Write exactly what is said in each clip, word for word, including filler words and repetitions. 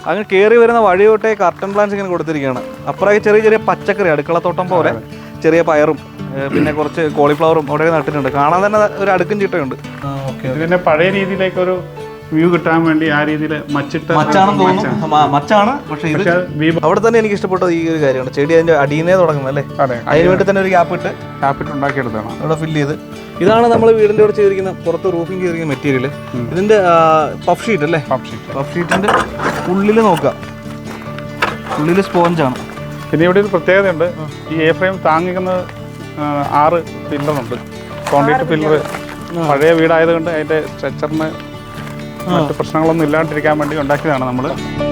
അങ്ങനെ കയറി വരുന്ന വഴിയോട്ടെ കർട്ടൻ പ്ലാന്റ്സ് ഇങ്ങനെ കൊടുത്തിരിക്കുകയാണ്. അപ്പുറമൊക്കെ ചെറിയ ചെറിയ പച്ചക്കറി, അടുക്കളത്തോട്ടം പോലെ ചെറിയ പയറും പിന്നെ കുറച്ച് കോളിഫ്ലവറും അവിടെ നട്ടിട്ടുണ്ട്. കാണാൻ തന്നെ ഒരു അടുക്കും ചിട്ടയുണ്ട്. ഇതിന്റെ പഴയ രീതിയിലേക്കൊരു വ്യൂ കിട്ടാൻ വേണ്ടി ആ രീതിയിൽ മച്ചിട്ട് മച്ചാണെന്ന് തോന്നുന്നു. മച്ചാണ്. പക്ഷേ ഇത് അവിടെ തന്നെ എനിക്ക് ഇഷ്ടപ്പെട്ടത് ഈ ഒരു കാര്യമാണ്. ചെടി അതിന്റെ അടിയിന്നേ തുടങ്ങുന്നത് അല്ലേ? അതിന് വേണ്ടി തന്നെ ഒരു ഗ്യാപ്പ് ഇട്ട് ഗ്യാപ്പിട്ട് ഉണ്ടാക്കിയെടുത്താണ് അവിടെ ഫില്ല് ചെയ്ത്. ഇതാണ് നമ്മൾ വീടിന്റെ അവിടെ ചെയ്തിരിക്കുന്ന പുറത്ത് റൂഫിങ് ചെയ്തിരിക്കുന്ന മെറ്റീരിയൽ. ഇതിന്റെ പഫ് ഷീറ്റ് അല്ലേ? Puff sheet. പഫ് ഷീറ്റിന്റെ ഉള്ളിൽ നോക്കുക, ഉള്ളിൽ സ്പോഞ്ചാണ്. പിന്നെ ഇവിടെ ഒരു പ്രത്യേകതയുണ്ട്. ഈ എ ഫ്രെയിം താങ്ങിക്കുന്ന ആറ് പില്ലറുണ്ട്. കോൺക്രീറ്റ് പില്ലർ പഴയ വീടായതുകൊണ്ട് അതിന്റെ സ്ട്രക്ചറിന് മറ്റു പ്രശ്നങ്ങളൊന്നും ഇല്ലാണ്ടിരിക്കാൻ വേണ്ടി ഉണ്ടാക്കിയതാണ് നമ്മൾ.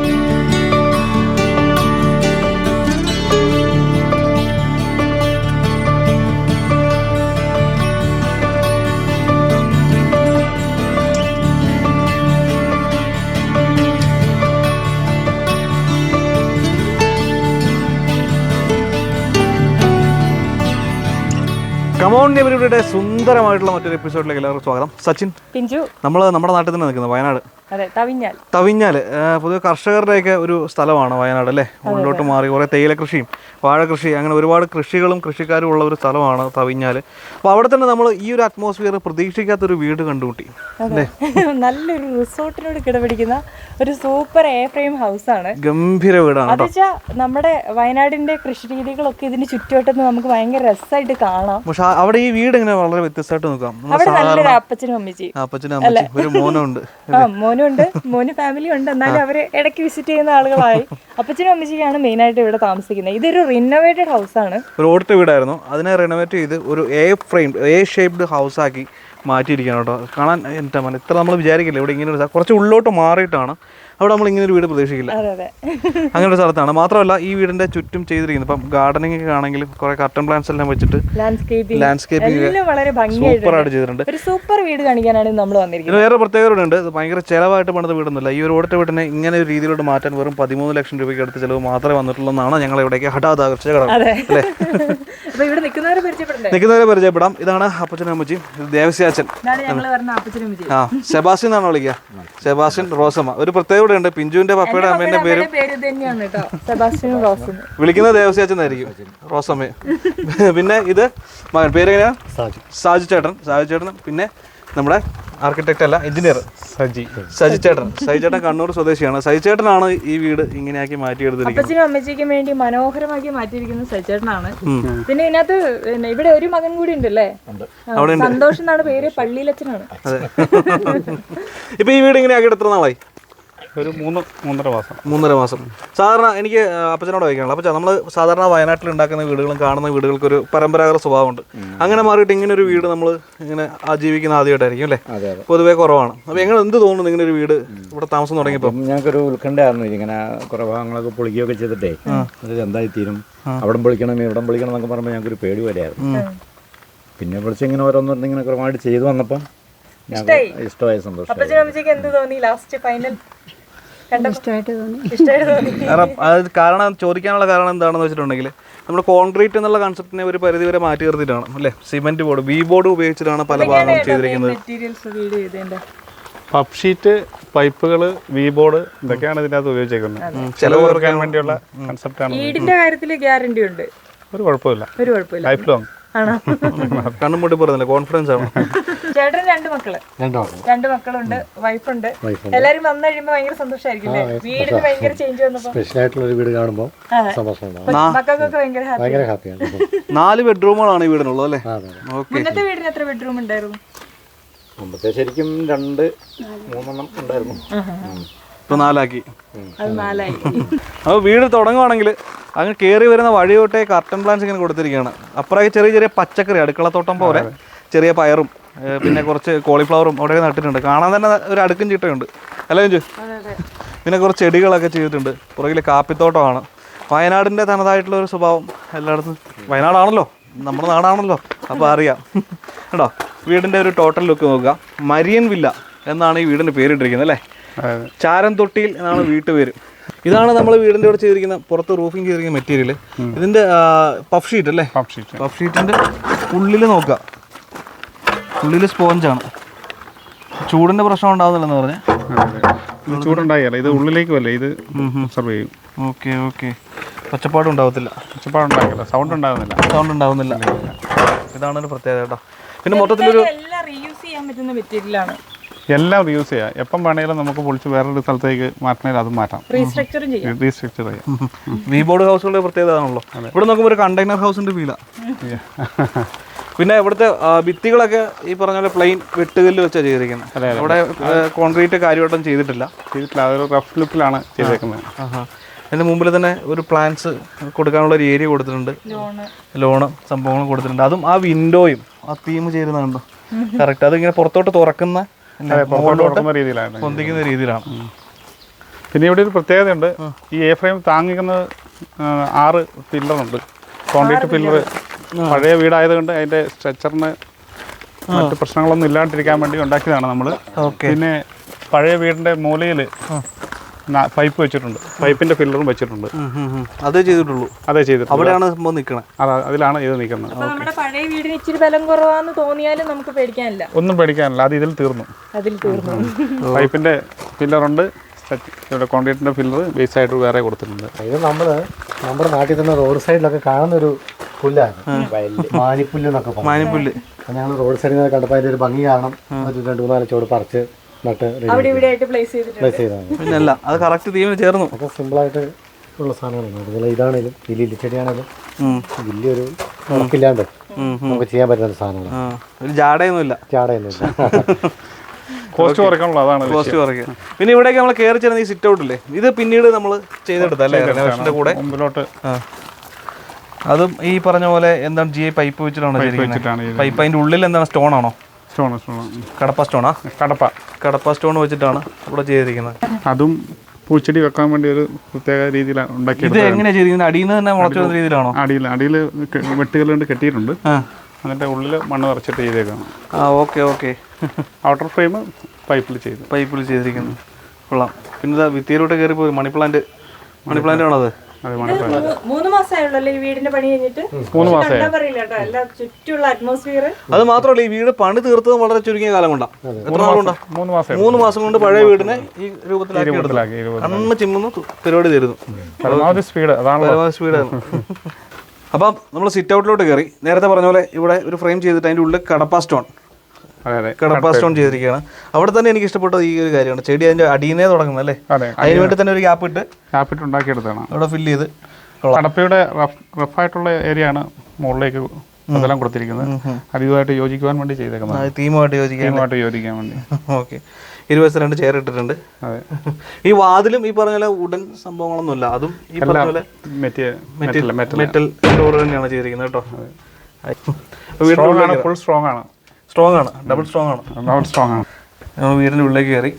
കമോൺ നെബിയുടെ സുന്ദരമായിട്ടുള്ള മറ്റൊരു എപ്പിസോഡിലേക്ക് എല്ലാവർക്കും സ്വാഗതം. സച്ചിൻ, പിഞ്ചു, നമ്മൾ നമ്മുടെ നാട്ടിൽ തന്നെ നിൽക്കുന്നത് വയനാട് തവിഞ്ഞാൽ. തവിഞ്ഞാൽ പൊതുവെ കർഷകരുടെയൊക്കെ ഒരു സ്ഥലമാണ് വയനാട് അല്ലേ? മുന്നോട്ട് മാറി കുറേ തേയില കൃഷിയും വാഴ കൃഷി, അങ്ങനെ ഒരുപാട് കൃഷികളും കൃഷിക്കാരും ഉള്ള ഒരു സ്ഥലമാണ് തവിഞ്ഞാൽ. അപ്പോൾ അവിടെ തന്നെ നമ്മൾ ഈ ഒരു അറ്റ്മോസ്ഫിയർ പ്രതീക്ഷിക്കാത്തൊരു വീട് കണ്ടുമുട്ടി അല്ലേ? നല്ലൊരു റിസോർട്ടിനോട് കിടപിടിക്കുന്ന ഒരു സൂപ്പർ എ ഫ്രെയിം ഹൗസ് ആണ്. ഗംഭീര വീടാണ്. അതെച്ചാ നമ്മുടെ വയനാടിന്റെ കൃഷി രീതികളൊക്കെ ഇതിന് ചുറ്റുവട്ടത്ത് നമുക്ക് ഭയങ്കര രസമായിട്ട് കാണാം. പക്ഷെ അവിടെ ഈ വീട് ഇങ്ങനെ വളരെ വ്യത്യസ്തമായിട്ട് നോക്കാം. അവിടെ നല്ലൊരു അപ്പച്ചനും അമ്മച്ചി അപ്പച്ചനും അമ്മച്ചി ഒരു മോനുണ്ട്. ആ മോനും ഉണ്ട്, മോന് ഫാമിലി ഉണ്ട്. എന്നാലും അവര് ഇടയ്ക്ക് വിസിറ്റ് ചെയ്യുന്ന ആളുകളായി. അപ്പച്ചനും അമ്മച്ചിക്കാണ് മെയിൻ ആയിട്ട് ഇവിടെ താമസിക്കുന്നത്. ഇതൊരു റിനോവേറ്റഡ് ഹൗസ് ആണ്. ഒരു ഓടിട്ട വീടായിരുന്നു, അതിനെ റിനോവേറ്റ് ചെയ്ത് ഒരു A framed A shaped house ആക്കി മാറ്റിയിരിക്കുകയാണ് കേട്ടോ. കാണാൻ എന്താ പറയുക, ഇത്ര നമ്മൾ വിചാരിക്കില്ല ഇവിടെ ഇങ്ങനെ ഒരു കുറച്ച് ഉള്ളോട്ട് മാറിയിട്ടാണ്. അവിടെ നമ്മൾ ഇങ്ങനെ ഒരു വീട് പ്രതീക്ഷിക്കില്ല. അങ്ങനെ ഒരു സ്ഥലത്താണ്. മാത്രമല്ല ഈ വീടിന്റെ ചുറ്റും ചെയ്തിരിക്കുന്നത് ഇപ്പം ഗാർഡനിങ് ഒക്കെ ആണെങ്കിലും കുറെ കർട്ടൻ പ്ലാന്റ്സ് എല്ലാം വെച്ചിട്ട് ലാൻഡ്സ്കേപ്പിംഗ് സൂപ്പറായിട്ട് ചെയ്തിട്ടുണ്ട്. ഒരു സൂപ്പർ വീട് കാണിക്കാനാണ് നമ്മൾ വന്നിരിക്കുന്നത്. വേറെ പ്രത്യേകത ഉണ്ട്. ഇത് ഭയങ്കര ചിലവായിട്ട് പണിത വീടൊന്നുമില്ല. ഈ ഒരു ഓടിട്ട വീടിനെ ഇങ്ങനെ ഒരു രീതിയിലോട്ട് മാറ്റാൻ വെറും പതിമൂന്ന് ലക്ഷം രൂപയ്ക്ക് അടുത്ത് ചിലവ് മാത്രമേ വന്നിട്ടുള്ളൂ എന്നാണ് ഞങ്ങൾ ഇവിടേക്ക് ഹഠാത് ആകർഷിച്ച ഘടകം അല്ലേ? നിൽക്കുന്നവരെ പരിചയപ്പെടാം. ഇതാണ് അപ്പച്ചനും അമ്മച്ചി, ദേവസ്യാച്ചൻ. ആ സെബാസ്റ്റ്യൻ എന്നാണ് വിളിക്കുക. സെബാസ്റ്റ്യൻ, റോസമ്മ. ഒരു പ്രത്യേകത ഉണ്ട്. പിഞ്ചുവിന്റെ പപ്പയുടെ അമ്മേന്റെ പേരും വിളിക്കുന്നത് ദേവസ്യാച്ചൻ എന്നായിരിക്കും, റോസമ്മ. പിന്നെ ഇത് മകൻ പേരെങ്ങനെയാ? സാജു ചേട്ടൻ. സാജു ചേട്ടൻ. പിന്നെ നമ്മുടെ ആർക്കിടെക്ട് അല്ല, എഞ്ചിനീയർ സജി സജി ചേട്ടൻ. സജി ചേട്ടൻ കണ്ണൂർ സ്വദേശിയാണ്. സജി ചേട്ടനാണ് ഈ വീട് ഇങ്ങനെയാക്കി മാറ്റിയെടുത്തിരിക്കുന്നത്. അപ്പച്ചനും അമ്മച്ചിക്കും വേണ്ടി മനോഹരമാക്കി മാറ്റിയിരിക്കുന്നത് സജി ചേട്ടനാണ്. പിന്നെ ഇതിനകത്ത് ഇവിടെ ഒരു മകൻ കൂടി ഉണ്ടല്ലേ, സന്തോഷം എന്നാണ് പേര്, പള്ളിയിലച്ഛനാണ്. ഇപ്പൊ ഈ വീട് ഇങ്ങനെ ആക്കിയിട്ട് എത്ര നാളായി? ഒരു മൂന്ന് മൂന്നര മാസം മൂന്നര മാസം സാധാരണ എനിക്ക് അപ്പച്ചനോട് ചോദിക്കാനുള്ളത്, അപ്പച്ച നമ്മൾ സാധാരണ വയനാട്ടിൽ ഉണ്ടാക്കുന്ന വീടുകളും കാണുന്ന വീടുകൾക്ക് ഒരു പരമ്പരാഗത സ്വഭാവമുണ്ട്. അങ്ങനെ മാറിയിട്ട് ഇങ്ങനെ ഒരു വീട് നമ്മൾ ഇങ്ങനെ ആജീവിക്കുന്ന ആദ്യമായിട്ടായിരിക്കും അല്ലേ? പൊതുവേ കുറവാണ്. അപ്പോൾ എങ്ങനെ എന്ത് തോന്നുന്നു ഇങ്ങനെ ഒരു വീട് ഇവിടെ താമസം തുടങ്ങിയപ്പോൾ? ഞങ്ങൾക്കൊരു ഉത്കണ്ഠയായിരുന്നു. ഇങ്ങനെ കുറേ ഭാഗങ്ങളൊക്കെ പൊളിക്കുകയൊക്കെ ചെയ്തിട്ടേ അത് എന്തായി തീരും, അവിടെ പൊളിക്കണം ഇവിടം പൊളിക്കണം എന്നൊക്കെ പറയുമ്പോൾ ഞങ്ങൾക്കൊരു പേടി പോലെയായിരുന്നു. പിന്നെ വിളിച്ച് ഇങ്ങനെ ഓരോന്നും ഇങ്ങനെ കുറവായിട്ട് ചെയ്തു വന്നപ്പം ഞങ്ങൾക്ക് ഇഷ്ടമായ സന്തോഷം. കാരണം ചോദിക്കാനുള്ള കാരണം എന്താണെന്ന് വെച്ചിട്ടുണ്ടെങ്കിൽ നമ്മൾ കോൺക്രീറ്റ് എന്നുള്ള കൺസെപ്റ്റിനെ ഒരു പരിധി വരെ മാറ്റി നിർത്തിയിട്ടാണ് അല്ലേ? സിമെന്റ് ബോർഡ്, വി ബോർഡ് ഉപയോഗിച്ചിട്ടാണ് പല ഭാഗങ്ങളും ചെയ്തിരിക്കുന്നത്. പഫ് ഷീറ്റ്, പൈപ്പുകൾ, വി ബോർഡ് ഇതൊക്കെയാണ് ഇതിനകത്ത് ഉപയോഗിച്ചേക്കുന്നത്. ചെലവ് കുറയ്ക്കാൻ വേണ്ടിയുള്ള കൺസെപ്റ്റാണ്. വീടിന്റെ കാര്യത്തിൽ ഗ്യാരണ്ടി ഉണ്ട്, ഒരു കുഴപ്പമില്ല, ഒരു കുഴപ്പമില്ല. Life long. കണ്ണും മുട്ടി പറയുന്നില്ല, കോൺഫിഡൻസ് ആണ്. ചേട്ടൻ രണ്ട് മക്കള് രണ്ട് മക്കളുണ്ട്, വൈഫുണ്ട്. എല്ലാരും വന്നു കഴിയുമ്പോ ഭയങ്കര സന്തോഷമായിരിക്കും. വീടിന് ഭയങ്കര ചേഞ്ച് വന്നപ്പോ സ്പെഷ്യൽ ആയിട്ടുള്ള ഒരു വീട് കാണുമ്പോൾ മക്കൾക്കൊക്കെ ഭയങ്കര ഹാപ്പിയാണ്. നാല് ബെഡ്റൂമുകളാണ് ഈ വീടിനുള്ളത് അല്ലേ? മുന്നത്തെ വീടിന് എത്ര ബെഡ്റൂം ഉണ്ടായിരുന്നു? മുമ്പത്തെ ശരിക്കും രണ്ട് മൂന്നെണ്ണം ഉണ്ടായിരുന്നു, ഇപ്പൊ നാലാക്കി. അപ്പോൾ വീട് തുടങ്ങുവാണെങ്കിൽ അങ്ങനെ കയറി വരുന്ന വഴിയോട്ടെ കർട്ടൻ പ്ലാന്റ്സ് ഇങ്ങനെ കൊടുത്തിരിക്കുകയാണ്. അപ്പുറമൊക്കെ ചെറിയ ചെറിയ പച്ചക്കറി, അടുക്കളത്തോട്ടം പോലെ ചെറിയ പയറും പിന്നെ കുറച്ച് കോളിഫ്ലവറും അവിടെ നട്ടിട്ടുണ്ട്. കാണാൻ തന്നെ ഒരു അടുക്കും ചിട്ടയുണ്ട് അല്ലേ അഞ്ചു? പിന്നെ കുറച്ച് ചെടികളൊക്കെ ചെയ്തിട്ടുണ്ട്. പുറകിൽ കാപ്പിത്തോട്ടമാണ്. വയനാടിൻ്റെ തനതായിട്ടുള്ള ഒരു സ്വഭാവം എല്ലായിടത്തും. വയനാടാണല്ലോ, നമ്മുടെ നാടാണല്ലോ, അപ്പോൾ അറിയാം കേട്ടോ. വീടിൻ്റെ ഒരു ടോട്ടൽ ലുക്ക് നോക്കുക. മരിയൻ വില്ല എന്നാണ് ഈ വീടിൻ്റെ പേരിട്ടിരിക്കുന്നത് അല്ലേ? ചാരംതൊട്ടിയിൽ എന്നാണ് വീട്ടുപേര്. ഇതാണ് നമ്മൾ വീടിൻ്റെ ഇവിടെ ചെയ്തിരിക്കുന്ന പുറത്ത് റൂഫിങ് ചെയ്തിരിക്കുന്ന മെറ്റീരിയൽ. ഇതിൻ്റെ പഫ് ഷീറ്റ് അല്ലേ? പഫ് ഷീറ്റിൻ്റെ ഉള്ളിൽ നോക്കുക, ഉള്ളിൽ സ്പോഞ്ചാണ്. ചൂടിൻ്റെ പ്രശ്നം ഉണ്ടാകുന്നില്ലെന്ന് പറഞ്ഞാൽ ഇത് ചൂടുണ്ടാകില്ല, ഇത് ഉള്ളിലേക്ക് വല്ലേ ഇത് ഒബ്സർവ് ചെയ്യും. Okay okay. ഒച്ചപ്പാടും ഉണ്ടാവത്തില്ല, ഒച്ചപ്പാടുണ്ടാകില്ല, സൗണ്ട് ഉണ്ടാകുന്നില്ല. സൗണ്ട് ഉണ്ടാവുന്നില്ല. ഇതാണ് ഒരു പ്രത്യേകത കേട്ടോ. പിന്നെ മൊത്തത്തിലൊരു എല്ലാം റീയൂസ് ചെയ്യാൻ പറ്റുന്ന മെറ്റീരിയലാണ്. എല്ലാം റീയൂസ് ചെയ്യാം. എപ്പം വേണമെങ്കിലും നമുക്ക് പൊളിച്ച് വേറൊരു സ്ഥലത്തേക്ക് മാറ്റണമെങ്കിൽ അതും മാറ്റാം, റീസ്ട്രക്ചറും ചെയ്യാം. റീസ്ട്രക്ചർ ചെയ്യാം. വി ബോർഡ് ഹൗസുകളുടെ പ്രത്യേകത ആണല്ലോ. ഇവിടെ നോക്കുമ്പോൾ ഒരു കണ്ടെയ്നർ ഹൗസിന്റെ ഫീലാ. പിന്നെ ഇവിടുത്തെ ഭിത്തികളൊക്കെ ഈ പറഞ്ഞ പോലെ പ്ലെയിൻ വെട്ടുകല്ല് വെച്ചാണ് ചെയ്തിരിക്കുന്നത്. അവിടെ കോൺക്രീറ്റ് കാര്യമായിട്ടും ചെയ്തിട്ടില്ല. ചെയ്തിട്ടില്ല, അതൊരു റഫ് ലുക്കിലാണ് ചെയ്തേക്കുന്നത്. അതിൻ്റെ മുമ്പിൽ തന്നെ ഒരു പ്ലാൻസ് കൊടുക്കാനുള്ള ഒരു ഏരിയ കൊടുത്തിട്ടുണ്ട്, ലോണ് സംഭവങ്ങൾ കൊടുത്തിട്ടുണ്ട്. അതും ആ വിൻഡോയും ആ തീം ചേരുന്നുണ്ടോ കറക്റ്റ്. അതിങ്ങനെ പുറത്തോട്ട് തുറക്കുന്ന രീതിയിലാണ് പൊന്തിക്കുന്ന രീതിയിലാണ്. പിന്നെ ഇവിടെ ഒരു പ്രത്യേകതയുണ്ട്, ഈ എ ഫ്രെയിം താങ്ങിക്കുന്നത് ആറ് പില്ലറുണ്ട്. കോൺക്രീറ്റ് പില്ലർ പഴയ വീടായതുകൊണ്ട് അതിൻ്റെ സ്ട്രക്ചറിന് മറ്റു പ്രശ്നങ്ങളൊന്നും ഇല്ലാണ്ടിരിക്കാൻ വേണ്ടി ഉണ്ടാക്കിയതാണ് നമ്മൾ. പിന്നെ പഴയ വീടിൻ്റെ മൂലയിൽ പൈപ്പ് വെച്ചിട്ടുണ്ട്, പൈപ്പിന്റെ ഫില്ലറും വെച്ചിട്ടുണ്ട്. അതേ ചെയ്തിട്ടുള്ളൂ, അതേ ചെയ്തിട്ടുള്ളൂ. അവിടെയാണ് സംഭവം നിൽക്കുന്നത്. അതാ അതിലാണ് ഇത് നിൽക്കുന്നത്. നമ്മുടെ പഴയ വീടിന് ഇച്ചിരി ബലം കുറവാന്ന് തോന്നിയാലും നമുക്ക് പേടിക്കാനില്ല, ഒന്നും പേടിക്കാനില്ല. അത് ഇതിൽ തീർന്നു, അതിൽ തീർന്നു. പൈപ്പിന്റെ ഫില്ലറുണ്ട്, ഇവിടെ കോൺക്രീറ്റിന്റെ ഫില്ലർ ബേസ് ആയിട്ട് വേറെ കൊടുത്തിട്ടുണ്ട്. ഇത് നമ്മള് നമ്മുടെ നാട്ടിൽ തന്നെ റോഡ് സൈഡിലൊക്കെ കാണുന്ന ഒരു പുല്ലാണ്, മാനിപ്പുല്ല് എന്നൊക്കെ പറയും. മാനിപ്പുല്ല് ഞങ്ങൾ റോഡ് സൈഡിൽ നിന്ന് കണ്ടപ്പോൾ അതിന്റെ ഒരു ഭംഗി കാണണം, ഒരു രണ്ടു മൂന്നാല് ചോട് പറിച്ച് നട്ട് പ്ലേസ് ചെയ്താണ്. പിന്നെ അല്ല, അത് കറക്റ്റ് തീമിന് ചേർന്നു. ഒക്കെ സിമ്പിളായിട്ട് ഉള്ള സാധനങ്ങളാണ്. അതുപോലെ ഇതാണേലും ഈ ലില്ലിച്ചെടിയാണേലും വലിയൊരു ഉറപ്പില്ലാണ്ട് നമുക്ക് ചെയ്യാൻ പറ്റുന്ന സാധനങ്ങളാണ്. ഒരു ജാടയൊന്നുമില്ല, ചാടയൊന്നുമില്ല. കോസ്റ്റ് കുറയ്ക്കാനുള്ള അതാണ് കോസ്റ്റ് കുറയ്ക്കുക. പിന്നെ ഇവിടേക്ക് നമ്മൾ കയറി ചേർന്ന ഈ സിറ്റ് ഔട്ടില്ലേ, ഇത് പിന്നീട് നമ്മൾ ചെയ്തെടുത്തല്ലേ റെനോവേഷന്റെ കൂടെ. മുമ്പിലോട്ട് അതും ഈ പറഞ്ഞ പോലെ എന്താണ് ജി ഐ പൈപ്പ് വെച്ചിട്ടാണ് ചെയ്തിരിക്കുന്നത്. പൈപ്പ് അതിന്റെ ഉള്ളിൽ എന്താണ്, സ്റ്റോൺ ആണോ? സ്റ്റോൺ സ്റ്റോൺ കടപ്പ സ്റ്റോണാ? കടപ്പ കടപ്പ സ്റ്റോൺ വെച്ചിട്ടാണ് ഇവിടെ ചെയ്തിരിക്കുന്നത്. അതും പൂച്ചെടി വെക്കാൻ വേണ്ടി ഒരു പ്രത്യേക രീതിയിലാണ് ഉണ്ടാക്കിയത്. ഇത് എങ്ങനെയാ ചെയ്തിരിക്കുന്നത്? അടിയിൽ നിന്ന് തന്നെ മുളച്ചു വരുന്ന രീതിയിലാണോ? അടിയിൽ അടിയിൽ വെട്ടുകളുണ്ട്, കെട്ടിയിട്ടുണ്ട്. എന്നിട്ട് ഉള്ളിൽ മണ്ണ് നിറച്ചിട്ട് ചെയ്തേക്കാണ്. ആ ഓക്കെ ഓക്കെ. ഔട്ടർ ഫ്രെയിം പൈപ്പിൽ ചെയ്തു, പൈപ്പിൽ ചെയ്തിരിക്കുന്നു. കൊള്ളാം. പിന്നെ ഭിത്തിയിലോട്ട് കയറി പോയി മണി പ്ലാന്റ്. മണി പ്ലാന്റ് ആണോ അത്? മൂന്ന് മാസമായുള്ളൂ ഈ വീടിന്റെ പണി കഴിഞ്ഞിട്ട്. മൂന്ന് മാസമായി. ചുറ്റുള്ള അറ്റ്മോസ്ഫിയർ. അത് മാത്രമല്ല, ഈ വീട് പണി തീർത്തത് വളരെ ചുരുങ്ങിയ കാലം കൊണ്ടാണ്. എത്ര നാളുകൊണ്ടാ? മൂന്ന് മാസം. മൂന്ന് മാസം കൊണ്ട് പഴയ വീടിനെ ഈ രൂപത്തിലാക്കി അന്ന് ചിമ്മുന്ന പരിപാടി തരുന്നു. പരമാവധി സ്പീഡ്, അതാണ് പരമാവധി സ്പീഡാണ്. അപ്പം നമ്മൾ സിറ്റ് ഔട്ടിലോട്ട് കയറി. നേരത്തെ പറഞ്ഞ പോലെ ഇവിടെ ഒരു ഫ്രെയിം ചെയ്തിട്ട് അതിൻ്റെ ഉള്ളിൽ കടപ്പ സ്റ്റോൺ, കടപ്പ സ്റ്റോൺ ചെയ്തിരിക്കുകയാണ്. അവിടെ തന്നെ എനിക്ക് ഇഷ്ടപ്പെട്ടത് ഈ ഒരു കാര്യമാണ്, ചെടി അതിന്റെ അടിയിനെ തുടങ്ങുന്നത് അല്ലേ. അതിന് വേണ്ടി തന്നെ ഒരു ഗ്യാപ്പ് ഇട്ട് ഗ്യാപ്പ് ഇട്ട് ഉണ്ടാക്കിയെടുത്താണ് അവിടെ ഫില്ല് ചെയ്ത്. കടപ്പയുടെ റഫ് റഫായിട്ടുള്ള ഏരിയ ആണ് മുകളിലേക്ക് അതെല്ലാം കൊടുത്തിരിക്കുന്നത്. അത് ഇതുമായിട്ട് യോജിക്കുവാൻ വേണ്ടി ചെയ്തേക്കുന്നത്, തീമുമായിട്ട് യോജിക്കാൻ യോജിക്കാൻ വേണ്ടി. ഓക്കെ. ഇരുപത് രണ്ട് ചെയർ ഇട്ടിട്ടുണ്ട്. അതെ. ഈ വാതിലും ഈ പറഞ്ഞ പോലെ ഉടൻ സംഭവങ്ങളൊന്നുമില്ല, അതും ഈ പറഞ്ഞ പോലെ മെറ്റൽ മെറ്റൽ ഡോർ തന്നെയാണ് ചെയ്തിരിക്കുന്നത് കേട്ടോ. ഫുൾ സ്ട്രോങ് ആണ്, സ്ട്രോങ് ആണ്, ഡബിൾ സ്ട്രോങ് ആണ്, ഡബിൾ സ്ട്രോങ് ആണ്. നമ്മൾ വീടിൻ്റെ ഉള്ളിലേക്ക് കയറി.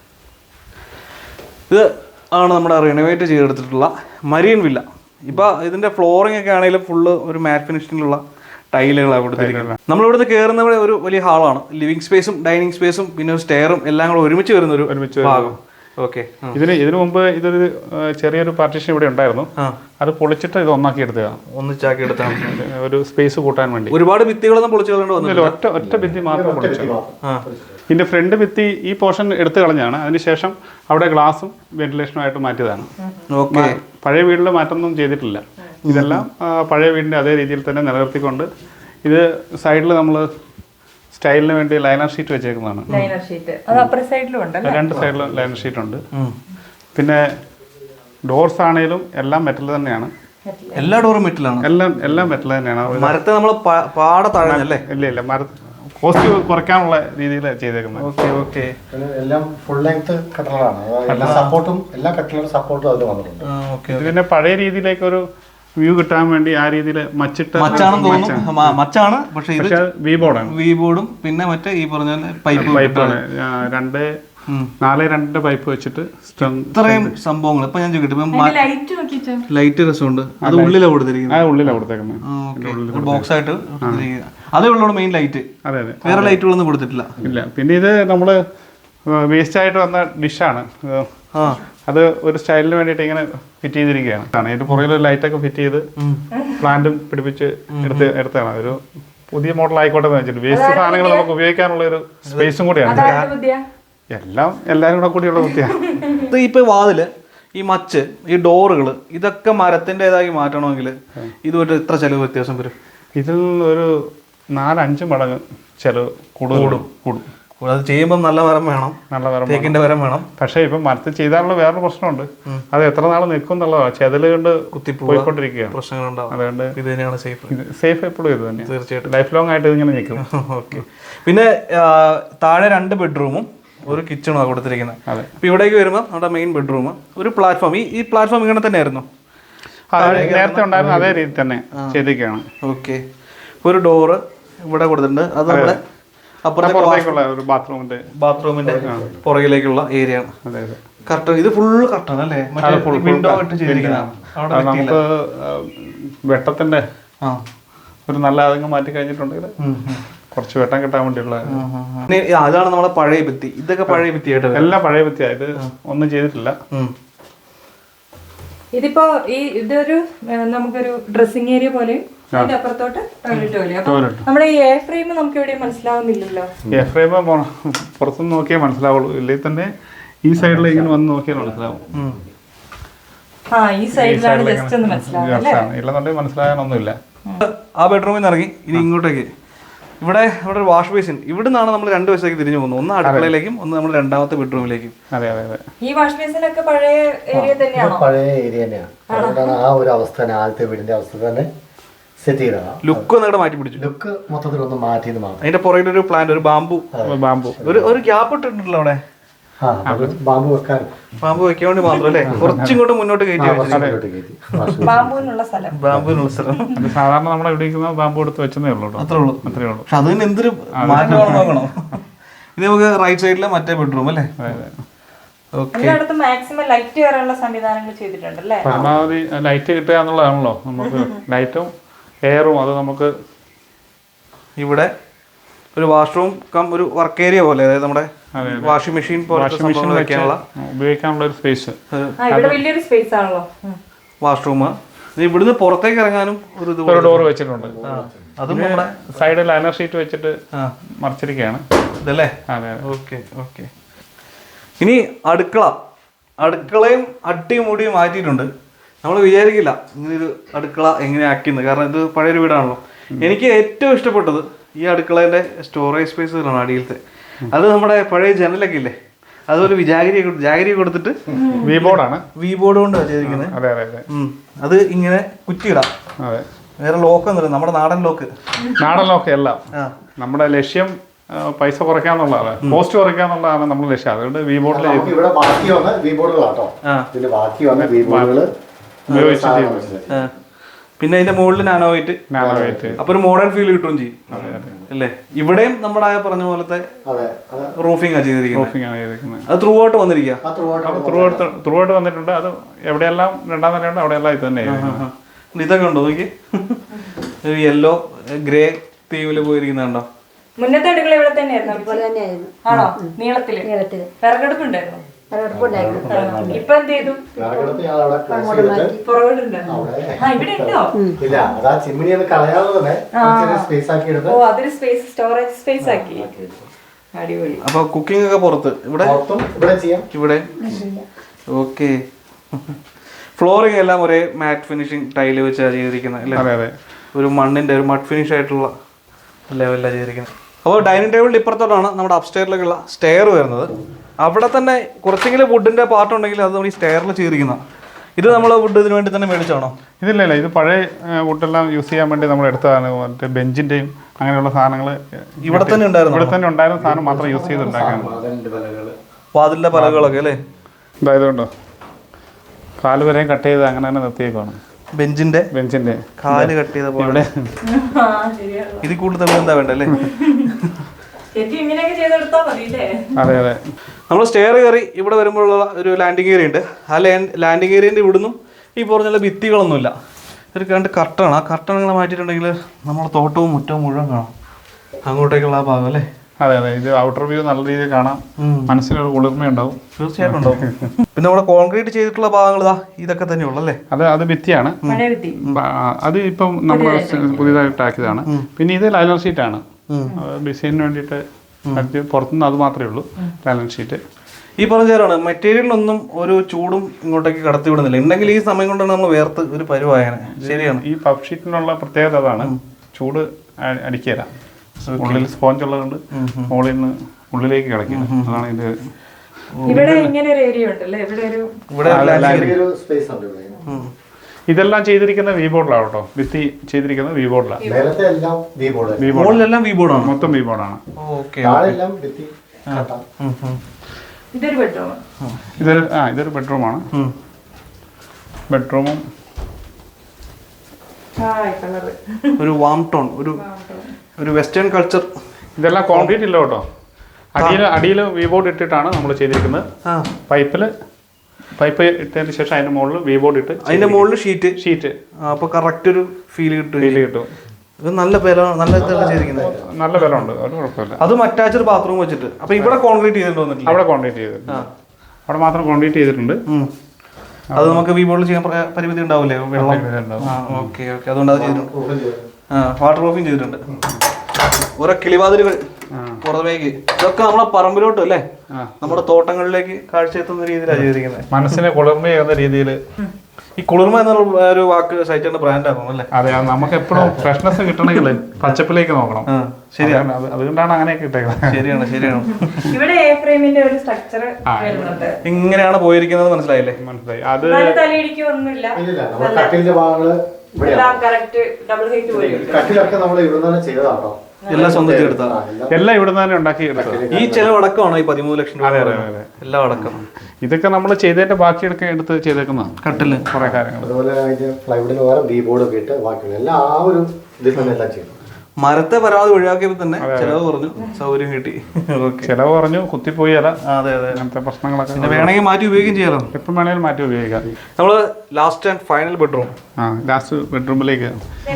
ഇത് ആണ് നമ്മുടെ റിനോവേറ്റ് ചെയ്തെടുത്തിട്ടുള്ള മരിയൻ വില്ല. ഇപ്പോൾ ഇതിൻ്റെ ഫ്ലോറിംഗ് ഒക്കെ ആണെങ്കിലും ഫുള്ള് ഒരു മാറ്റ് ഫിനിഷിലുള്ള ടൈലുകളാണ് കൊടുത്തിരിക്കുന്നത്. നമ്മളിവിടുന്ന് കയറുന്ന ഒരു വലിയ ഹാളാണ്. ലിവിങ് സ്പേസും ഡൈനിങ് സ്പേസും പിന്നെ ഒരു സ്റ്റെയറും എല്ലാം കൂടെ ഒരുമിച്ച് വരുന്ന ഒരു ഒരുമിച്ച് ഭാഗം. ഓക്കെ. ഇതിന് ഇതിനു മുമ്പ് ഇതൊരു ചെറിയൊരു പാർട്ടീഷൻ ഇവിടെ ഉണ്ടായിരുന്നു, അത് പൊളിച്ചിട്ട് ഇത് ഒന്നാക്കി എടുത്തതാണ്, ഒന്നിച്ചാക്കി എടുത്താണ് ഒരു സ്പേസ് കൂട്ടാൻ വേണ്ടി. ഒരുപാട് ഭിത്തികളൊന്നും പൊളിച്ചു കളയേണ്ടി ഒറ്റ ഒറ്റ ഭിത്തി മാത്രം പൊളിച്ചു. ഇതിന്റെ ഫ്രണ്ട് ഭിത്തി ഈ പോർഷൻ എടുത്തു കളഞ്ഞാണ്. അതിനുശേഷം അവിടെ ഗ്ലാസും വെന്റിലേഷനും ആയിട്ട് മാറ്റിയതാണ്. പഴയ വീട്ടിൽ മാറ്റമൊന്നും ചെയ്തിട്ടില്ല. ഇതെല്ലാം പഴയ വീടിന്റെ അതേ രീതിയിൽ തന്നെ നിലനിർത്തിക്കൊണ്ട് ഇത് സൈഡിൽ നമ്മൾ സ്റ്റൈലിന് വേണ്ടി ലൈനർ ഷീറ്റ് വെച്ചേക്കുന്നതാണ്. രണ്ട് സൈഡിലും ലൈനർ ഷീറ്റ് ഉണ്ട്. പിന്നെ ഡോർസ് ആണെങ്കിലും എല്ലാം മെറ്റൽ തന്നെയാണ്. എല്ലാ ഡോറും മെറ്റലാണ്, എല്ലാം എല്ലാം മെറ്റൽ തന്നെയാണ്. മരത്തെ നമ്മൾ പാടെ താഴെ ഇല്ല ഇല്ല മര കോസ്റ്റ് കുറയ്ക്കാനുള്ള രീതിയിൽ ചെയ്തേക്കുന്നത്. Okay okay. എല്ലാം ഫുൾ ലെങ്ത് കട്ടളാണ്, എല്ലാ സപ്പോർട്ടും എല്ലാ കട്ടളുടെ സപ്പോർട്ടും അതിൽ വന്നിട്ടുണ്ട്. ഇത് പിന്നെ പഴയ രീതിയിലേക്ക് ഒരു വ്യൂ കിട്ടാൻ വേണ്ടി ആ രീതിയിൽ മച്ചിട്ട് മച്ചാണെന്ന് തോന്നുന്നു. മച്ചാണ്, പക്ഷേ ഇത് വി ബോർഡാണ്. വി ബോർഡും പിന്നെ മറ്റേ ഈ പറഞ്ഞ പൈപ്പ് പൈപ്പാണ്. രണ്ട് നാല് രണ്ട് പൈപ്പ് വെച്ചിട്ട് ഇത്രയും സംഭവങ്ങൾ. ഇപ്പൊ ഞാൻ ചോദിക്കട്ടെ, ലൈറ്റ് രസമുണ്ട്, അത് ഉള്ളിലാണ് കൊടുത്തിരിക്കുന്നത്. ആ ഉള്ളിലാണ് കൊടുത്തേക്കുന്നത്, ബോക്സ് ആയിട്ട്. അതേ ഉള്ളൂ മെയിൻ ലൈറ്റ്. അതെ അതെ, വേറെ ലൈറ്റുകളൊന്നും കൊടുത്തിട്ടില്ല. ഇല്ല. പിന്നെ ഇത് നമ്മള് വേസ്റ്റ് ആയിട്ട് വന്ന ഡിഷാണ്. അത് ഒരു സ്റ്റൈലിന് വേണ്ടിയിട്ട് ഇങ്ങനെ ഫിറ്റ് ചെയ്തിരിക്കുകയാണ്. അതിന്റെ പുറകിൽ ലൈറ്റൊക്കെ ഫിറ്റ് ചെയ്ത് പ്ലാന്റും പിടിപ്പിച്ച് എടുത്ത് എടുത്താണ്. ഒരു പുതിയ മോഡൽ ആയിക്കോട്ടെ എന്ന് വെച്ചിട്ട് വേസ്റ്റ് സാധനങ്ങൾ നമുക്ക് ഉപയോഗിക്കാനുള്ള ഒരു സ്പേസും കൂടിയാണ്. എല്ലാം എല്ലാവരും കൂടെ കൂടിയുള്ള വൃത്തിയാണ്. ഇത് ഇപ്പൊ വാതില്, ഈ മച്ച്, ഈ ഡോറുകൾ, ഇതൊക്കെ മരത്തിൻ്റെതായി മാറ്റണമെങ്കിൽ ഇതുമായിട്ട് എത്ര ചെലവ് വ്യത്യാസം വരും? ഇതിൽ ഒരു നാലഞ്ച് മടങ്ങ് ചെലവ് കൂടുതൽ കൂടും കൂടും അത് ചെയ്യുമ്പോൾ നല്ല മരം വേണം, നല്ല മരം തേക്കിന്റെ മരം വേണം. പക്ഷേ ഇപ്പം മരത്തിൽ ചെയ്താലുള്ള വേറൊരു പ്രശ്നമുണ്ട്, അത് എത്ര നാൾ നിൽക്കും എന്നുള്ളതാണ്. ചെതല് കൊണ്ട് പോയിക്കൊണ്ടിരിക്കുകയാണ്, പ്രശ്നങ്ങളുണ്ടാവും. അതുകൊണ്ട് ഇത് തന്നെയാണ് സേഫ്. സേഫ് എപ്പോഴും ഇത് തന്നെ, തീർച്ചയായിട്ടും ലൈഫ് ലോങ് ആയിട്ട് ഇതിങ്ങനെ നിൽക്കും. ഓക്കെ. പിന്നെ താഴെ രണ്ട് ബെഡ്റൂമും ഒരു കിച്ചണുമാണ് കൊടുത്തിരിക്കുന്നത്. അതെ. അപ്പോൾ ഇവിടേക്ക് വരുമ്പോൾ നമ്മുടെ മെയിൻ ബെഡ്റൂം, ഒരു പ്ലാറ്റ്ഫോം. ഈ ഈ പ്ലാറ്റ്ഫോം ഇങ്ങനെ തന്നെയായിരുന്നു നേരത്തെ ഉണ്ടായിരുന്ന അതേ രീതി തന്നെ ചെയ്തിരിക്കുകയാണ്. ഓക്കെ. ഒരു ഡോറ് ഇവിടെ കൊടുത്തിട്ടുണ്ട്, അത് നമ്മുടെ അപ്പുറത്തേക്കുള്ള ഒരു ബാത്റൂമിന്റെ ബാത്റൂമിന്റെ പുറകിലേക്കുള്ള ഏരിയ ആണ്. അതെ അതെ. കർട്ടൻ, ഇത് ഫുള്ള് കർട്ടൻ അല്ലേ, വിൻഡോ ഇട്ട് ചെയ്തിരിക്കുന്നതാണ്. നമുക്ക് വെട്ടത്തിന്റെ ഒരു നല്ല ആദങ്കം മാറ്റി കഴിഞ്ഞിട്ടുണ്ടെങ്കിൽ കുറച്ച് വെട്ടം കിട്ടാൻ വേണ്ടിയുള്ള അതാണ് നമ്മളെ പഴയ ഭിത്തി. ഇതൊക്കെ പഴയ ഭിത്തിയായിട്ട് എല്ലാം പഴയ ഭിത്തിയാ, ഇത് ഒന്നും ചെയ്തിട്ടില്ല. ഇതിപ്പോ ഈ ഇതൊരു നമുക്കൊരു ഡ്രസ്സിംഗ് ഏരിയ പോലെ, അതിന്റെ അപ്പുറത്തോട്ട് ടോയ്ലറ്റ് പോലെ. അപ്പൊ നമ്മുടെ ഈ എ ഫ്രെയിം നമുക്ക് എവിടെയും മനസ്സിലാവുന്നില്ലല്ലോ. എ ഫ്രെയിം പുറത്തുനിന്ന് നോക്കിയാൽ മനസ്സിലാവുള്ളൂ, ഇല്ലെങ്കിൽ തന്നെ ഈ സൈഡിൽ ഇങ്ങനെ വന്ന് നോക്കിയാൽ മനസ്സിലാവും. ആ ഈ സൈഡിലാണ് ജസ്റ്റ് ഒന്ന് മനസ്സിലാവും, ഇല്ലെന്നുണ്ടെങ്കിൽ മനസ്സിലാകാനൊന്നുമില്ല. ആ ബെഡ്റൂമിൽ നിന്ന് ഇറങ്ങി ഇനി ഇങ്ങോട്ടേക്ക്, ഇവിടെ ഇവിടെ ഒരു വാഷ് ബേസിൻ. ഇവിടെ നിന്നാണ് നമ്മൾ രണ്ട് വശത്തേക്ക് തിരിഞ്ഞു പോകുന്നത്, ഒന്ന് അടുക്കളയിലേക്കും ഒന്ന് നമ്മൾ രണ്ടാമത്തെ ബെഡ്റൂമിലേക്കും. അതെ അതെ അതെ. ഈ വാഷ് ബേസിനൊക്കെ പഴയ ഏരിയ തന്നെയാണോ? പഴയ ഏരിയ തന്നെയാണ്. അതുകൊണ്ടാണ് ആ ഒരു അവസ്ഥ തന്നെ, ആദ്യത്തെ വീടിന്റെ അവസ്ഥ തന്നെ സെറ്റ് ചെയ്തതാണ്. ലുക്ക് ഒന്ന് മാറ്റി പിടിച്ചു, ലുക്ക് മൊത്തത്തിൽ ഒന്ന് മാറ്റിയത് മാത്രം. അതിന്റെ പുറകിൽ ഒരു പ്ലാന്റ്, ഒരു ബാമ്പു ബാമ്പു ഒരു ഒരു ഗ്യാപ്പ് ഇട്ടിട്ടുണ്ടല്ലോ അവിടെ, ബാമ്പു വെക്കാനും ബാമ്പു വെക്കാൻ വേണ്ടി മാത്രം അല്ലേ, കുറച്ചിങ്ങോട്ട് മുന്നോട്ട് കയറ്റി ബാമ്പുവിനുള്ള സ്ഥലം. ബാമ്പുവിനുള്ള സ്ഥലം സാധാരണ നമ്മൾ ഇവിടെ ഇരിക്കുന്ന ബാമ്പു എടുത്ത് വെച്ചതേ ഉള്ളൂ. അത്രേ ഉള്ളൂ, അത്രേ ഉള്ളൂ. പക്ഷെ അതിന് എന്തൊരു മാറ്റമാണെന്ന് നോക്കണം. ഇത് നമുക്ക് റൈറ്റ് സൈഡിലെ മറ്റേ ബെഡ്റൂം അല്ലേ. എല്ലായിടത്തും മാക്സിമം ലൈറ്റ് കയറാനുള്ള സംവിധാനങ്ങൾ ചെയ്തിട്ടുണ്ടല്ലേ. പരമാവധി ലൈറ്റ് കിട്ടുക എന്നുള്ളതാണല്ലോ നമുക്ക്. ലൈറ്റും എയറും അത് നമുക്ക് ഇവിടെ ഒരു വാഷ്റൂം കം ഒരു വർക്ക് ഏരിയ പോലെ, അതായത് നമ്മുടെ വാഷിംഗ് മെഷീൻ ഉപയോഗിക്കാനുള്ള ഒരു സ്പേസ്, വലിയൊരു സ്പേസ് ആണല്ലോ വാഷ്റൂം. ഇവിടുന്ന് പുറത്തേക്ക് ഇറങ്ങാനും ഒരു ഡോർ വെച്ചിട്ടുണ്ട്. അതും നമ്മുടെ സൈഡിൽ ലൈനർ ഷീറ്റ് വെച്ചിട്ട് മറിച്ചിരിക്കുകയാണ് ഇതല്ലേ. അതെ. Okay okay. ഇനി അടുക്കള, അടുക്കളയും അട്ടിയും മുടിയും മാറ്റിയിട്ടുണ്ട്. നമ്മൾ വിചാരിക്കില്ല ഇങ്ങനൊരു അടുക്കള എങ്ങനെ ആക്കിയെന്ന്, കാരണം ഇത് പഴയൊരു വീടാണല്ലോ. എനിക്ക് ഏറ്റവും ഇഷ്ടപ്പെട്ടത് ഈ അടുക്കളേൻ്റെ സ്റ്റോറേജ് സ്പേസുകളാണ് അടിയിലത്തെ. അത് നമ്മുടെ പഴയ ജനലൊക്കെ ഇല്ലേ, അതൊരു വിജാഗിരി ജാഗിരി കൊടുത്തിട്ട് വി ബോർഡാണ്, വി ബോർഡ് കൊണ്ട് ചെയ്തിരിക്കുന്നത്. അതെ അതെ അതെ. അത് ഇങ്ങനെ കുറ്റിയിടാം. അതെ. വേറെ ലോക്ക് ഒന്നുമില്ല, നമ്മുടെ നാടൻ ലോക്ക്. നാടൻ ലോക്ക് എല്ലാം. നമ്മുടെ ലക്ഷ്യം പൈസ കുറയ്ക്കാന്നുള്ളതാണ്, കോസ്റ്റ് കുറയ്ക്കാന്നുള്ളതാണ് നമ്മുടെ ലക്ഷ്യം. അതുകൊണ്ട് വി ബോർഡിൽ ഇവിടെ ബാക്കി വന്ന വി ബോർഡുകളാട്ടോ, ഇതിൽ ബാക്കി വന്ന വി ബോർഡുകൾ ഉപയോഗിച്ചിട്ട് പിന്നെ അതിന്റെ മുകളിൽ നാനോ വൈറ്റ്, അപ്പൊ ഒരു മോഡേൺ ഫീൽ കിട്ടുകയും ചെയ്യും അല്ലേ. ഇവിടെയും നമ്മുടെ ആ പറഞ്ഞ പോലത്തെ റൂഫിംഗ് ആണ് ചെയ്തിരിക്കുന്നത്. അത് ത്രൂ ഔട്ട് വന്നിരിക്കുക, ത്രൂ ഔട്ട് ത്രൂ ഔട്ട് വന്നിട്ടുണ്ട്. അത് എവിടെയെല്ലാം രണ്ടാം നിലയുണ്ട് അവിടെയെല്ലാം ഇത് തന്നെ. ഇതൊക്കെ ഉണ്ടോ നോക്കി, ഒരു യെല്ലോ ഗ്രേ തീമില് പോയിരിക്കുന്നുണ്ടോ. മുന്നത്തെ അടുക്കള ഇവിടെ തന്നെയായിരുന്നു ആണോ? നീളത്തില് വിറകടുപ്പുണ്ടായിരുന്നു. ഇപ്പൊ എന്ത് ചെയ്തു? അതൊരു സ്പേസ്, സ്റ്റോറേജ് സ്പേസ് ആക്കി. അടിപൊളി. അപ്പൊ കുക്കിംഗ് ഒക്കെ പുറത്ത്, ഇവിടെ ഇവിടെ ഓക്കെ. ഫ്ലോറിംഗ് എല്ലാം ഒരേ മാറ്റ് ഫിനിഷിംഗ് ടൈല് വെച്ചാണ് ചെയ്തിരിക്കുന്നത് അല്ലേ. ഒരു മണ്ണിന്റെ ഒരു മഡ് ഫിനിഷ് ആയിട്ടുള്ള ലെവലിലാണ് ചെയ്തിരിക്കുന്നത്. അപ്പോൾ ഡൈനിങ് ടേബിളിൻ്റെ ഇപ്പുറത്തോട്ടാണ് നമ്മുടെ അപ്സ്റ്റെയറിലേക്കുള്ള സ്റ്റെയർ വരുന്നത്. അവിടെ തന്നെ കുറച്ചെങ്കിലും വുഡിന്റെ പാർട്ട് ഉണ്ടെങ്കിൽ അത് നമ്മൾ ഈ സ്റ്റെയറിൽ ചെയ്തിരിക്കുന്ന. ഇത് നമ്മൾ വുഡ് ഇതിന് വേണ്ടി തന്നെ മേടിച്ചാണോ? ഇതില്ല ഇല്ല, ഇത് പഴയ വുഡെല്ലാം യൂസ് ചെയ്യാൻ വേണ്ടി നമ്മൾ എടുത്തതാണ്. മറ്റേ ബെഞ്ചിന്റെയും അങ്ങനെയുള്ള സാധനങ്ങൾ ഇവിടെ തന്നെ ഉണ്ടായിരുന്നു, ഇവിടെ തന്നെ ഉണ്ടായിരുന്ന സാധനം മാത്രം യൂസ് ചെയ്തുണ്ടാക്കാൻ. വാതിലിന്റെ പലകളൊക്കെ അല്ലേ. ഇതായതുകൊണ്ടോ കാല് വരെയും കട്ട് ചെയ്ത് അങ്ങനെ തന്നെ നിർത്തിയേക്കാണ്. ബെഞ്ചിന്റെ ബെഞ്ചിന്റെ കാല് കട്ട് ചെയ്ത പോലെ. ഇത് കൂടുതൽ എന്താ വേണ്ടല്ലേ. അതെ അതെ. നമ്മൾ സ്റ്റെയർ കയറി ഇവിടെ വരുമ്പോഴുള്ള ഒരു ലാൻഡിങ് ഏരിയ ഉണ്ട്. ആ ലാൻഡിങ് ഏരിയൻ്റെ ഇവിടുന്നും ഈ പറഞ്ഞുള്ള ഭിത്തികളൊന്നുമില്ല, ഒരു കണ്ട് കർട്ടനാണ്. ആ കർട്ടനുകൾ മാറ്റിയിട്ടുണ്ടെങ്കിൽ നമ്മുടെ തോട്ടവും മുറ്റവും മുഴുവൻ കാണാം, അങ്ങോട്ടേക്കുള്ള ആ ഭാഗം അല്ലേ. അതെ അതെ. ഇത് ഔട്ടർ വ്യൂ നല്ല രീതിയിൽ കാണാം, മനസ്സിനൊരു കുളിർമയുണ്ടാവും. തീർച്ചയായിട്ടും ഉണ്ടാവും. പിന്നെ നമ്മുടെ കോൺക്രീറ്റ് ചെയ്തിട്ടുള്ള ഭാഗങ്ങൾ ഇതാ ഇതൊക്കെ തന്നെയുള്ളൂ അല്ലേ. അത് അത് ഭിത്തിയാണ്, അത് ഇപ്പം നമ്മൾ പുതിയതായിട്ട് ആക്കിയതാണ്. പിന്നെ ഇത് ലൈനർ ഷീറ്റാണ്, ഡിസൈനിന് വേണ്ടിയിട്ട് അത് പുറത്തുനിന്ന് അത് മാത്രമേ ഉള്ളൂ ലാൻഡ് ഷീറ്റ്. ഈ പറഞ്ഞ ചേരാണ് മെറ്റീരിയലിനൊന്നും ഒരു ചൂടും ഇങ്ങോട്ടേക്ക് കടത്തി വിടുന്നില്ല. ഉണ്ടെങ്കിൽ ഈ സമയം കൊണ്ടാണ് നമ്മൾ വേർത്ത് ഒരു പരുവായനെ. ശരിയാണ്. ഈ പഫ് ഷീറ്റിനുള്ള പ്രത്യേകത അതാണ്, ചൂട് അടിക്കുക. ഉള്ളിൽ സ്പോഞ്ച് ഉള്ളതുകൊണ്ട് മുകളിൽ നിന്ന് ഉള്ളിലേക്ക് കിടക്കില്ല. അതാണ് ഇത്. ഇവിടെ ഇങ്ങനെ ഒരു ഏരിയ ഉണ്ടല്ലേ, ഇവിടെ ഒരു ഒരു സ്പേസ് ഉണ്ട് ഇവിടെ. ഇതെല്ലാം ചെയ്തിരിക്കുന്ന വി ബോർഡിലാണ് കേട്ടോ. ഭിത്തി ചെയ്തിരിക്കുന്നത് വി ബോർഡിലാണ്. നേരത്തെ എല്ലാം വി ബോർഡ്, വി ബോർഡ് മുകളിലെല്ലാം വി ബോർഡാണ്, മൊത്തം വി ബോർഡാണ്. ഓക്കെ. താഴെല്ലാം ഭിത്തി കട്ട. ഇതൊരു ബെഡ്റൂം. ഇതൊരു ആ ഇതൊരു ബെഡ്റൂമാണ്. ബെഡ്റൂമും ഒരു വാം ടോൺ, ഒരു ഒരു വെസ്റ്റേൺ കൾച്ചർ. ഇതെല്ലാം കോൺക്രീറ്റ് ഇല്ല കേട്ടോ. അടിയിൽ അടിയിൽ വി ബോർഡ് ഇട്ടിട്ടാണ് നമ്മൾ ചെയ്തിരിക്കുന്നത്. പൈപ്പിൽ പൈപ്പ് ഇട്ടതിന് ശേഷം അതിന്റെ മുകളിൽ വി ബോർഡ് ഇട്ട് അതിന്റെ മുകളിൽ ഷീറ്റ് ഷീറ്റ് അപ്പൊ കറക്റ്റ് ഒരു ഫീൽ കിട്ടും. ഫീൽ കിട്ടും. ഇത് നല്ല പേര നല്ല ഇതാണ് ചെയ്തിരിക്കുന്നത്. നല്ല ബലമുണ്ട്, ഒരു കുഴപ്പമില്ല. അതും അറ്റാച്ച്ഡ് ബാത്റൂം വെച്ചിട്ട്. അപ്പൊ ഇവിടെ കോൺക്രീറ്റ് ചെയ്തിട്ടുണ്ടോ? അവിടെ കോൺക്രീറ്റ് ചെയ്തിട്ടുണ്ട്, അവിടെ മാത്രം കോൺക്രീറ്റ് ചെയ്തിട്ടുണ്ട്. അത് നമുക്ക് വി ബോർഡിൽ ചെയ്യാൻ പരിമിതി ഉണ്ടാവില്ലേ? വെള്ളം. ഓക്കെ ഓക്കെ, അതുകൊണ്ട് അത് ചെയ്തിട്ടുണ്ട്. ആ, വാട്ടർ പ്രൂഫിങ് ചെയ്തിട്ടുണ്ട്. ഓരോ കിളിവാതിലുകൾ പുറമേക്ക്. ഇതൊക്കെ നമ്മളെ പറമ്പിലോട്ടും അല്ലേ, നമ്മുടെ തോട്ടങ്ങളിലേക്ക് കാഴ്ച എത്തുന്ന രീതിയിലാണ് ചെയ്തിരിക്കുന്നത്. മനസ്സിനെ കുളിർമയാകുന്ന രീതിയിൽ. ഈ കുളിർമ എന്നുള്ള ഒരു വാക്ക് സഹിച്ചേണ്ട ബ്രാൻഡ് ആകും അല്ലേ? അതെ, നമുക്ക് എപ്പോഴും ഫ്രഷ്നെസ് കിട്ടണമെങ്കിൽ പച്ചപ്പിലേക്ക് നോക്കണം. ശരിയാണ്, അതുകൊണ്ടാണ് അങ്ങനെയൊക്കെ ഇട്ടേക്കുന്നത്. ശരിയാണ് ശരിയാണ്. ഇവിടെ എ ഫ്രെയിമിന്റെ ഒരു സ്ട്രക്ചർ വരുന്നുണ്ട്. ഇങ്ങനെയാണ് പോയിരിക്കുന്നത്, മനസ്സിലായില്ലേ? മനസ്സിലായി. അത് തലയിടിക്കൊന്നുമില്ല. ഇല്ല, നമ്മുടെ കട്ടിലിന്റെ ഭാഗങ്ങള് ഇവിടെയാണ്. കറക്റ്റ് ഡബിൾ ഹൈറ്റ് പോലെ. കട്ടിലൊക്കെ നമ്മൾ ഇവിടെ നിന്നാണ് ചെയ്തതാട്ടോ. എല്ലാം സ്വന്തം എടുത്താ എല്ലാം ഇവിടെ നിന്ന് തന്നെ ഉണ്ടാക്കി എടുത്തത്. ഈ ചെലവടക്കമാണോ ഈ പതിമൂന്ന് ലക്ഷം രൂപ? എല്ലാം അടക്കം. ഇതൊക്കെ നമ്മൾ ചെയ്തതിന്റെ ബാക്കി എടുക്കാൻ എടുത്ത് ചെയ്തേക്കുന്ന കട്ടില് കുറെ കാര്യങ്ങൾ. അതുപോലെ ഫ്ലൈവുഡിന് പകരം വി ബോർഡ് ഒക്കെ ഇട്ട് ബാക്കിയുള്ള എല്ലാം ആ ഒരു ഇതിൽ തന്നെ എല്ലാം ചെയ്തു. മരത്തെ പരമാവധി ഒഴിവാക്കിയപ്പോൾ തന്നെ ചെലവ് കുറഞ്ഞു, സൗകര്യം കിട്ടി. ചെലവ് കുറഞ്ഞു, കുത്തിപ്പോയി അല്ല. അതെ അതെ, അങ്ങനത്തെ പ്രശ്നങ്ങളൊക്കെ പിന്നെ വേണമെങ്കിൽ മാറ്റി ഉപയോഗിക്കുകയും ചെയ്യാലോ. എപ്പം വേണമെങ്കിലും മാറ്റി ഉപയോഗിക്കാം. നമ്മള് ലാസ്റ്റ് ആൻഡ് ഫൈനൽ ബെഡ്റൂം. ആ ലാസ്റ്റ് ബെഡ്റൂമിലേക്ക്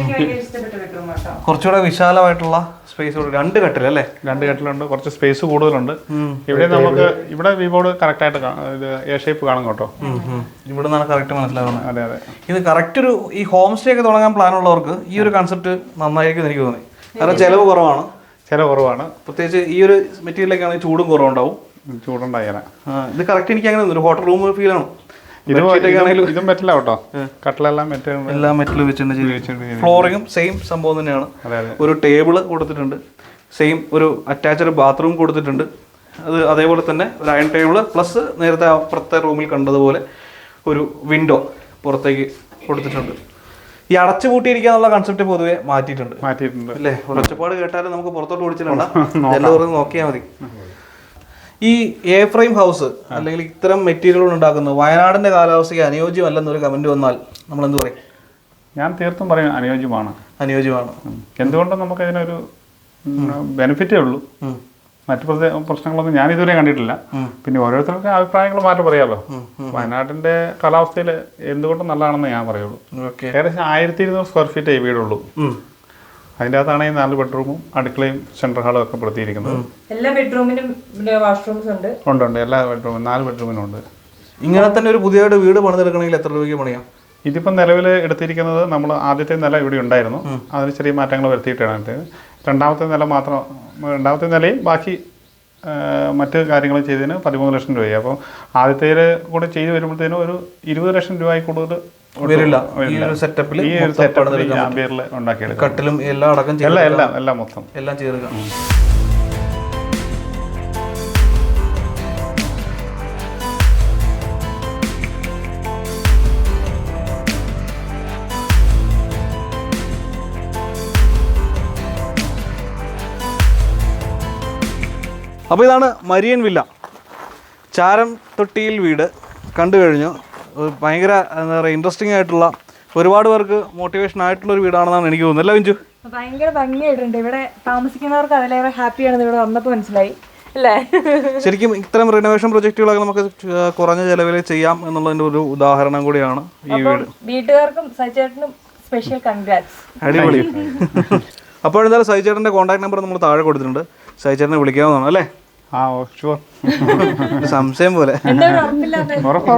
കുറച്ചുകൂടെ വിശാലമായിട്ടുള്ള സ്പേസ്, രണ്ട് കട്ടിൽ അല്ലേ? രണ്ട് കട്ടിലുണ്ട്, കുറച്ച് സ്പേസ് കൂടുതലുണ്ട്. ഇവിടെ നമുക്ക് ഇവിടെ വി ബോർഡ് കറക്റ്റ് ആയിട്ട് ഇത് എ ഷേപ്പ് കാണും കേട്ടോ. ഇവിടെ നിന്നാണ് കറക്റ്റ് മനസ്സിലാവുന്നത്. അതെ അതെ, ഇത് കറക്റ്റ് ഒരു ഈ ഹോം സ്റ്റേ ഒക്കെ തുടങ്ങാൻ പ്ലാൻ ഉള്ളവർക്ക് ഈ ഒരു കൺസെപ്റ്റ് നന്നായിരിക്കും എനിക്ക് തോന്നി. കാരണം ചെലവ് കുറവാണ്, ചില കുറവാണ്. പ്രത്യേകിച്ച് ഈ ഒരു മെറ്റീരിയലൊക്കെയാണെങ്കിൽ ചൂടും കുറവുണ്ടാവും. ചൂടുണ്ടായാലും ഇത് കറക്റ്റ് എനിക്ക് അങ്ങനെ ഒരു ഹോട്ടൽ റൂം ഫീൽ ആണ്. ഇത് ഇതും മെറ്റല കേട്ടോ. കട്ടിലെല്ലാം മെറ്റൽ, എല്ലാം മെറ്റൽ വെച്ചിട്ടുണ്ട്. ഫ്ലോറിങ്ങും സെയിം സംഭവം തന്നെയാണ്. ഒരു ടേബിള് കൊടുത്തിട്ടുണ്ട്, സെയിം ഒരു അറ്റാച്ച്ഡ് ബാത്റൂം കൊടുത്തിട്ടുണ്ട്. അത് അതേപോലെ തന്നെ ഒരു അയൺ ടേബിള് പ്ലസ് നേരത്തെ അപ്പുറത്തെ റൂമിൽ കണ്ടതുപോലെ ഒരു വിൻഡോ പുറത്തേക്ക് കൊടുത്തിട്ടുണ്ട്. ഈ അടച്ചു പൂട്ടിയിരിക്കാന്നുള്ള കൺസെപ്റ്റ് പൊതുവെ മാറ്റിയിട്ടുണ്ട് മാറ്റിയിട്ടുണ്ട് അല്ലേ? ഒരൊച്ചപ്പാട് കേട്ടാലും നമുക്ക് പുറത്തോട്ട് ഓടിച്ചിട്ടുണ്ട, എല്ലാവരും നോക്കിയാൽ മതി. ഈ എ ഫ്രെയിം ഹൗസ് അല്ലെങ്കിൽ ഇത്തരം മെറ്റീരിയലുകൾ ഉണ്ടാക്കുന്നത് വയനാടിന്റെ കാലാവസ്ഥയ്ക്ക് അനുയോജ്യമല്ലെന്നൊരു കമന്റ് വന്നാൽ നമ്മൾ എന്ത് പറയും? ഞാൻ തീർത്തും പറയും അനുയോജ്യമാണ്. അനുയോജ്യമാണ്. എന്തുകൊണ്ടും നമുക്ക് അതിനൊരു ബെനിഫിറ്റേ ഉള്ളൂ. മറ്റു പ്രശ്നങ്ങളൊന്നും ഞാൻ ഇതുവരെ കണ്ടിട്ടില്ല. പിന്നെ ഓരോരുത്തർക്കും അഭിപ്രായങ്ങൾ മാറ്റം പറയാമല്ലോ. വയനാട്ടിന്റെ കാലാവസ്ഥയിൽ എന്തുകൊണ്ടും നല്ലതാണെന്ന് ഞാൻ പറയുള്ളൂ. ഏകദേശം ആയിരത്തി ഇരുന്നൂറ് സ്ക്വയർ ഫീറ്റ് ഈ വീടുള്ളൂ. അതിൻ്റെ അകത്താണ് ഈ നാല് ബെഡ്റൂമും അടുക്കളയും സെൻട്രൽ ഹാളും ഒക്കെ പെടുത്തിയിരിക്കുന്നത്. എല്ലാ ബെഡ്റൂമിനും വാഷ്റൂംസ് ഉണ്ട്. ഉണ്ട് ഉണ്ട് എല്ലാ ബെഡ്റൂമും നാല് ബെഡ്റൂമിനും ഉണ്ട്. ഇങ്ങനെ തന്നെ ഒരു പുതിയതായിട്ട് വീട് പണിതെടുക്കണമെങ്കിൽ എത്ര രൂപയ്ക്ക് പണിയാം? ഇതിപ്പം നിലവിൽ എടുത്തിരിക്കുന്നത് നമ്മൾ ആദ്യത്തെ നില ഇവിടെ ഉണ്ടായിരുന്നു, അതിന് ചെറിയ മാറ്റങ്ങൾ വരുത്തിയിട്ടാണ്. രണ്ടാമത്തെ നില മാത്രം, രണ്ടാമത്തെ നിലയും ബാക്കി മറ്റ് കാര്യങ്ങൾ ചെയ്തതിന് പതിമൂന്ന് ലക്ഷം രൂപയായി. അപ്പോൾ ആദ്യത്തേൽ കൂടെ ചെയ്ത് വരുമ്പോഴത്തേനും ഒരു ഇരുപത് ലക്ഷം രൂപയിൽ കൂടുതൽ വരില്ല. ഈ ഒരു സെറ്റപ്പിൽ ഈ ഒരു സെറ്റപ്പിൽ ആംബിയറിൽ ഉണ്ടാക്കിയെടുക്കും. കട്ടിലും എല്ലാം അടക്കം എല്ലാം എല്ലാം എല്ലാം മൊത്തം എല്ലാം ചേർക്കാം. അപ്പോൾ ഇതാണ് മരിയൻ വില്ല, ചാരം തൊട്ടിയിൽ വീട്. കണ്ടു കഴിഞ്ഞു. ഭയങ്കര എന്താ പറയുക, ഇൻട്രസ്റ്റിംഗ് ആയിട്ടുള്ള, ഒരുപാട് പേർക്ക് മോട്ടിവേഷൻ ആയിട്ടുള്ള ഒരു വീടാണെന്നാണ് എനിക്ക് തോന്നുന്നത്. അല്ല വിഞ്ചു? ഭയങ്കര ഭംഗിയായിട്ടുണ്ട്. ഇവിടെ താമസിക്കുന്നവർക്ക് അതിലേറെ ഹാപ്പിയാണെന്ന് ഇവിടെ വന്നപ്പോൾ മനസ്സിലായി അല്ലേ? ശരിക്കും ഇത്തരം റിനോവേഷൻ പ്രൊജക്റ്റുകളൊക്കെ നമുക്ക് കുറഞ്ഞ ചെലവിൽ ചെയ്യാം എന്നുള്ളതിൻ്റെ ഒരു ഉദാഹരണം കൂടിയാണ് ഈ വീട്. വീട്ടുകാർക്കും സജിചേട്ടനും സ്പെഷ്യൽ കൺഗ്രാറ്റ്സ്. അടിപൊളി. അപ്പോൾ എന്തായാലും സജിചേട്ടൻ്റെ കോൺടാക്ട് നമ്പർ നമ്മൾ താഴെ കൊടുത്തിട്ടുണ്ട്, സജിചേട്ടനെ വിളിക്കാവുന്നതാണ് അല്ലേ? ആ ഓ ഷുവർ. സംശയം പോലെ എന്താ ഒരു ഉറപ്പില്ലാതെ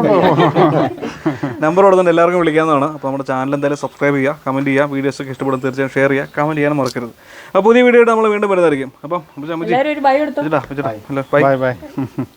നമ്പർ കൊടുത്തുകൊണ്ട് എല്ലാവർക്കും വിളിക്കാവുന്നതാണ്. അപ്പോൾ നമ്മുടെ ചാനൽ എന്തായാലും സബ്സ്ക്രൈബ് ചെയ്യുക, കമൻറ്റ് ചെയ്യുക, വീഡിയോസൊക്കെ ഇഷ്ടപ്പെടും തീർച്ചയായും ഷെയർ ചെയ്യുക, കമൻറ്റ് ചെയ്യാനും മറക്കരുത്. അപ്പോൾ പുതിയ വീഡിയോ ആയിട്ട് നമ്മൾ വീണ്ടും വരുന്നതായിരിക്കും. അപ്പം എല്ലാവരും ഒരു ബൈ എടുത്തോ. ബൈ. Bye by.